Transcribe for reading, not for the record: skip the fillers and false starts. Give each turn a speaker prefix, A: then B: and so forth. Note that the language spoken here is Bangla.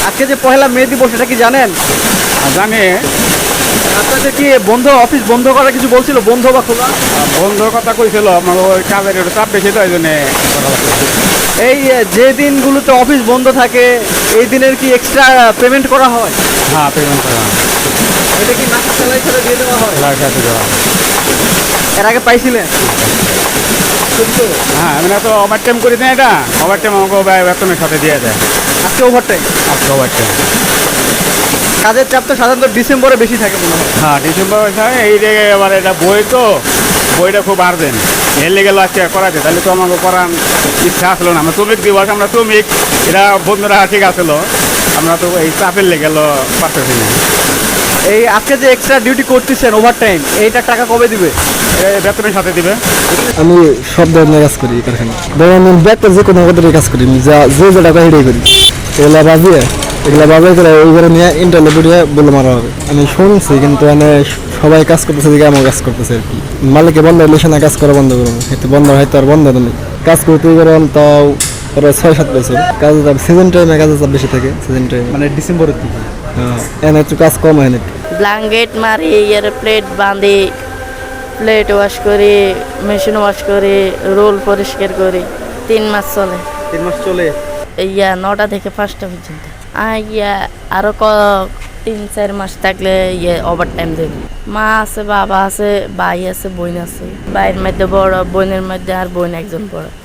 A: আজকে যে পহেলা মে দিবস এটা কি জানেন?
B: জানি।
A: আপনাদের কি বন্ধ, অফিস বন্ধ করার কিছু বলছিল, বন্ধ বা খোলা?
B: বন্ধুর কথা কইছিল, আমার ওই কাজের একটু চাপ বেশি তো এই জন্যে করা লাগছে।
A: এই যে দিনগুলোতে অফিস বন্ধ থাকে এই দিনের কি এক্সট্রা পেমেন্ট করা হয়?
B: হ্যাঁ, পেমেন্ট করা
A: এটা কি মাসের স্যালারি হিসেবে দিয়ে দেওয়া হয়?
B: লাইসেন্স দেওয়া।
A: এর আগে পাইছিলেন? কিন্তু
B: হ্যাঁ, আমি তো ওভার টাইম করি না, এটা ওভার টাইম আমাকে বেতনের সাথে দিয়ে দেয়।
A: আজকে ওভারটাইম।
B: আজকে ওভার টাইম।
A: কাজের চাপ তো সাধারণত ডিসেম্বরে বেশি থাকে মনে হয়।
B: হ্যাঁ, ডিসেম্বর এই যে এবার এটা বই তো, বইটা খুব আর্জেন্ট, এর লেগে আজকে করাতে, তাহলে তো আমাকে করার ইচ্ছা আসলো না। আমরা শ্রমিক দিবস, আমরা শ্রমিক, এরা বন্ধুরা ঠিক আসলো, আমরা তো এই চাপের লেগে পারতেছি না।
A: এই আজকে যে এক্সট্রা ডিউটি করতেছেন ওভারটাইম, এইটার টাকা কবে দিবে?
B: এই বেতনের সাথে দিবে।
C: আমি সব ধরনের কাজ করি কারখানা, ধরুন আমি ব্যাগটা যে কোনো পদ্ধতির কাজ করি, যা যে টাকা হেঁটেই করি, এগুলা বাজিয়ে করে ওইগুলো নিয়ে ইন্টারনেট দিয়ে বলে মারা হবে। আমি শুনছি, কিন্তু মানে সবাই কাজ করতেছে দিকে আমার কাজ করতেছে আর কি। মালিকে বন্ধ হলে সে না কাজ করা বন্ধ করবো, হয়তো বন্ধ হয়তো আর বন্ধ নেই, কাজ করতে গেলাম তাও প্রায় 6-7 বছর। কাজে চাপ সিজন টাইমে কাজে চাপ বেশি থাকে, সিজন টাইমে
A: মানে ডিসেম্বরের দিকে।
C: হ্যাঁ, এনে একটু কাজ কম হয় না।
D: ব্ল্যাঙ্কেট মারি, এর প্লেট বাঁধি, প্লেট ওয়াশ করি, মেশিন ওয়াশ করি, রোল পরিষ্কার করি। 3 মাস চলে।
A: 3 মাস চলে।
D: 9টা থেকে 5টা পর্যন্ত। আরো 3-4 মাস থাকলে ওভার টাইম দেবে। মা আছে, বাবা আছে, ভাই আছে, বোন আছে। ভাইয়ের মধ্যে বড়, বোনের মধ্যে আর বোন একজন বড়।